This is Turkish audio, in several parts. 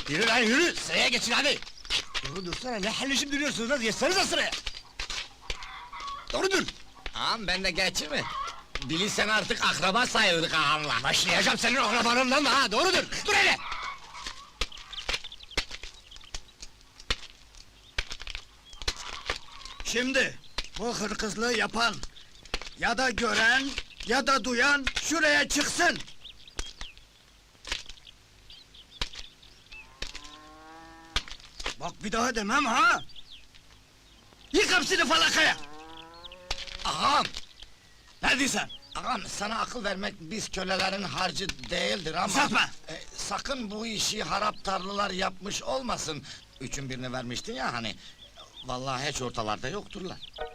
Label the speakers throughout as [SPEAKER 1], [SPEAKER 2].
[SPEAKER 1] Yürü lan yürü, sıraya geçin hadi! Doğru dursana, ne halleşip duruyorsunuz lan, geçsenize sıraya! Doğru dur!
[SPEAKER 2] Ağam ben de geçir mi? Bilirsen artık akraba sayılırız ağamla.
[SPEAKER 1] Başlayacağım senin akrabanından da ha, doğru dur! Dur hele!
[SPEAKER 3] Şimdi, bu hırkızlığı yapan, ya da gören, ya da duyan şuraya çıksın! Bak bir daha demem ha! Yık hepsini falakaya!
[SPEAKER 2] Ağam!
[SPEAKER 3] Ne diyorsun?
[SPEAKER 2] Ağam sana akıl vermek biz kölelerin harcı değildir ama...
[SPEAKER 3] Uzatma!
[SPEAKER 2] Sakın bu işi harap tarlılar yapmış olmasın. Üçün birini vermiştin ya hani... Vallahi hiç ortalarda yokturlar.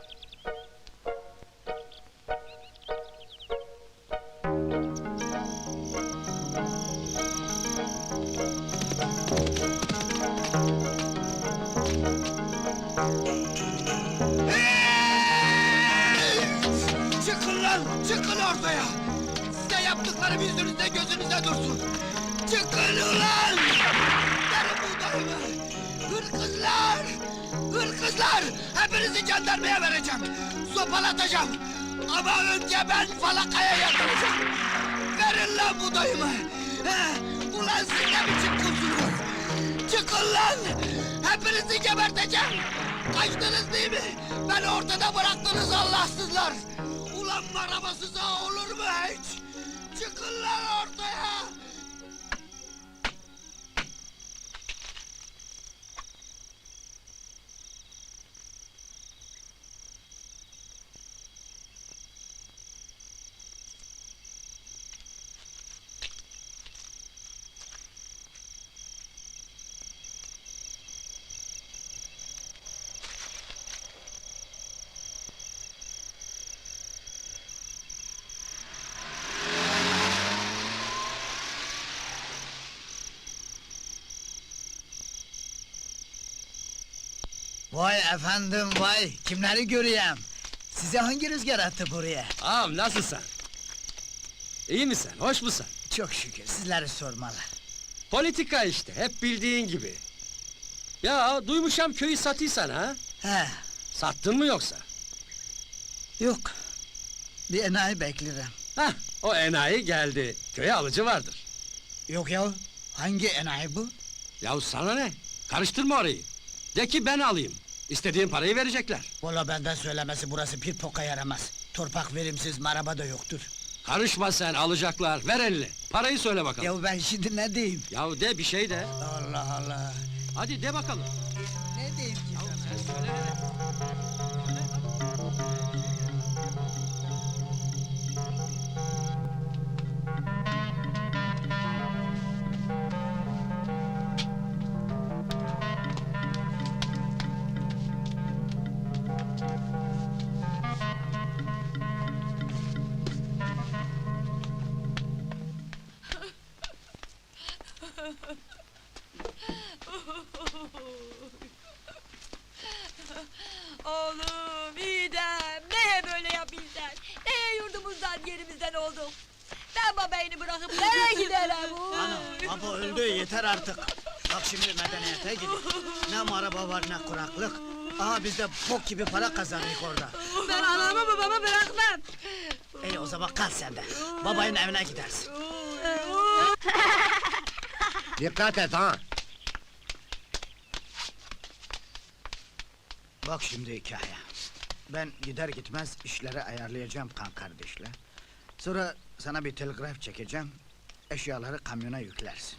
[SPEAKER 3] Çıkın lan! Çıkın ortaya! Size yaptıklarım yüzünüzde gözünüzde dursun! Çıkın ulan! Verin buğdayımı! Hırkızlar! Hırkızlar! Hepinizi jandarmaya vereceğim! Sopalatacağım! Ama önce ben falakaya yatıracağım! Verin lan buğdayımı! Ulan siz ne biçim kursunuz? Çıkın lan! Hepinizi geberteceğim! Kaçtınız değil mi? Beni ortada bıraktınız Allahsızlar! Ulan arabasız ağa olur mu hiç? Çıkın lan ortaya!
[SPEAKER 4] Vay efendim vay, kimleri göreyim? Size hangi rüzgar attı buraya?
[SPEAKER 5] Ağam nasılsın? İyi misin, hoş musun?
[SPEAKER 4] Çok şükür, sizleri sormalı.
[SPEAKER 5] Politika işte, hep bildiğin gibi. Ya duymuşam köyü satıysan ha?
[SPEAKER 4] He,
[SPEAKER 5] Sattın mı yoksa?
[SPEAKER 4] yok. Bir enayi beklerim.
[SPEAKER 5] Hah, o enayi geldi. Köye alıcı vardır.
[SPEAKER 4] Yok ya, hangi enayi bu?
[SPEAKER 5] Yahu sana ne? Karıştırma orayı. De ki ben alayım. İstediğin parayı verecekler.
[SPEAKER 4] Valla benden söylemesi burası bir poka yaramaz. Torpak verimsiz, maraba da yoktur.
[SPEAKER 5] Karışma sen, alacaklar. Ver elini. Parayı söyle bakalım.
[SPEAKER 4] Ya ben şimdi ne diyeyim?
[SPEAKER 5] Yahu de bir şey de.
[SPEAKER 4] Allah Allah!
[SPEAKER 5] Hadi de bakalım.
[SPEAKER 4] Ne diyeyim ki sana?
[SPEAKER 5] Sen söyle hele.
[SPEAKER 6] Oğlum, İdem, neye böyle yapıyorsun? Neye yurdumuzdan, yerimizden olduk? Ben babayını bırakıp nereye giderim?
[SPEAKER 4] Ana, baba öldü, yeter artık! Bak şimdi medeniyete gidin. Ne maraba var ne kuraklık. Aha biz de bok gibi para kazandık orada.
[SPEAKER 6] Ben anamı babamı bırakmam!
[SPEAKER 4] İyi o zaman kal sen de. Babayın evine gidersin.
[SPEAKER 2] Dikkat et ha!
[SPEAKER 4] Bak şimdi hikaye. Ben gider gitmez işleri ayarlayacağım kan kardeşle. Sonra sana bir telgraf çekeceğim. Eşyaları kamyona yüklersin.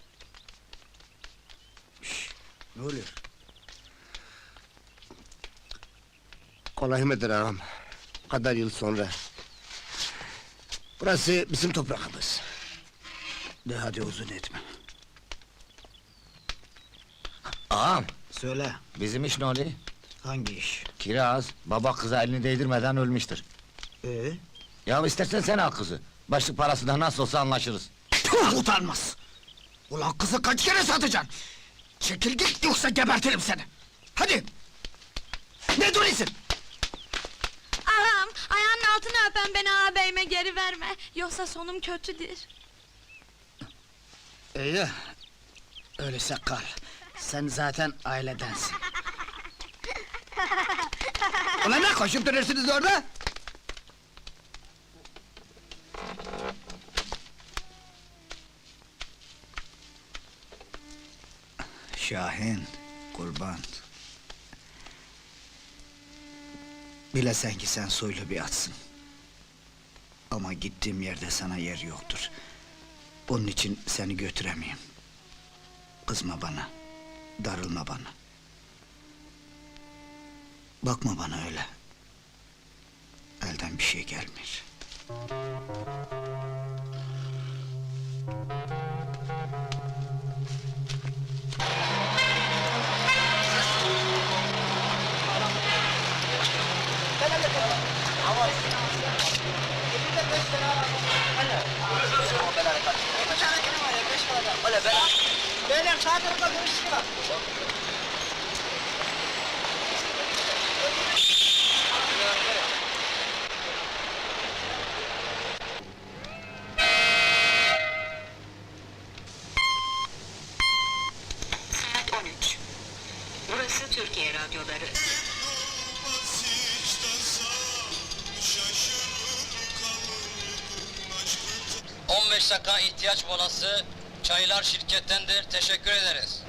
[SPEAKER 4] Şşş, ne oluyor?
[SPEAKER 1] Kolay mıdır ağam? Kadar yıl sonra. Burası bizim toprağımız.
[SPEAKER 4] De hadi uzun etme.
[SPEAKER 2] Ağam,
[SPEAKER 4] Söyle,
[SPEAKER 2] bizim iş ne oluyor?
[SPEAKER 4] hangi iş?
[SPEAKER 2] Kiraz, baba kıza elini değdirmeden ölmüştür. Ya istersen sen al kızı. Başlık parasından nasıl olsa anlaşırız.
[SPEAKER 3] Tüh, utanmaz! Ulan kızı kaç kere satacaksın? Çekil git yoksa gebertirim seni! Hadi! Ne duruyorsun?
[SPEAKER 6] Ağam, ayağının altını öpen beni ağabeyime geri verme. Yoksa sonum kötüdür.
[SPEAKER 4] İyi. Öyleyse kal. Sen zaten ailedensin. Ulan ne koşup duruyorsunuz orada? Şahin, kurban. Bilesen ki sen soylu bir atsın. Ama gittiğim yerde sana yer yoktur. Onun için seni götüremeyim. Kızma bana, darılma bana. Bakma bana öyle. Elden bir şey gelmiyor.
[SPEAKER 7] Saat 13. Burası Türkiye Radyoları.
[SPEAKER 5] 15 dakika ihtiyaç molası. Çaylar şirkettendir. Teşekkür ederiz.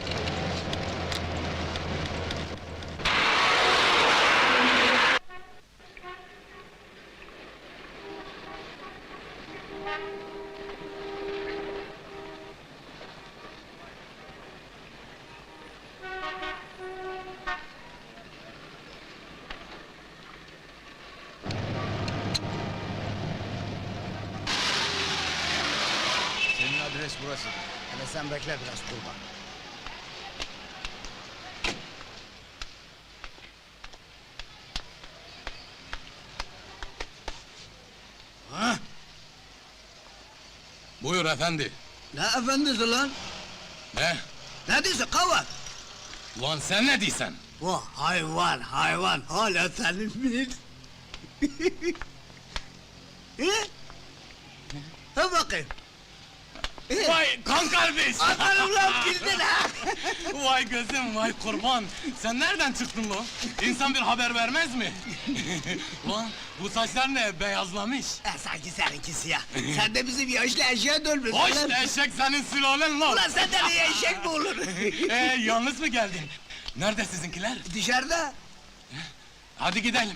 [SPEAKER 1] Senin adres burası.
[SPEAKER 4] Hele sen bekle biraz kurban.
[SPEAKER 8] Buyur efendi.
[SPEAKER 4] Ne efendisi lan?
[SPEAKER 8] Ne?
[SPEAKER 4] Ne diyorsun kavat?
[SPEAKER 8] Ulan sen ne diyorsun?
[SPEAKER 4] Bu hayvan hala senin mi? Ha bakayım.
[SPEAKER 8] Vay kan kardeş!
[SPEAKER 4] Atarım lan bildin ha!
[SPEAKER 8] Vay gözüm, vay kurban! Sen nereden çıktın lo? İnsan bir haber vermez mi? Ulan bu saçlar ne, beyazlamış?
[SPEAKER 4] Sanki seninki siyah. Sen de bizim yaşlı eşeğe dönmüşsün
[SPEAKER 8] Hoş
[SPEAKER 4] lan.
[SPEAKER 8] eşek senin sülalen lo!
[SPEAKER 4] Ulan senden iyi eşek mi olur?
[SPEAKER 8] Yalnız mı geldin? Nerede sizinkiler?
[SPEAKER 4] Dışarıda.
[SPEAKER 8] Hadi gidelim.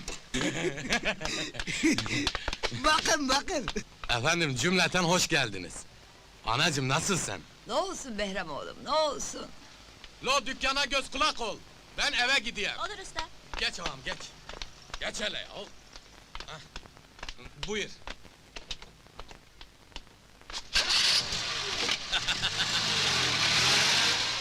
[SPEAKER 4] Bakın.
[SPEAKER 8] Efendim cümleten hoş geldiniz. Anacım nasılsın?
[SPEAKER 6] Ne olsun Behram oğlum, ne olsun?
[SPEAKER 8] Lo dükkana göz kulak ol. Ben eve gideyim.
[SPEAKER 6] Olur usta.
[SPEAKER 8] Geç ağam geç. Geç hele ya. Hah. Buyur.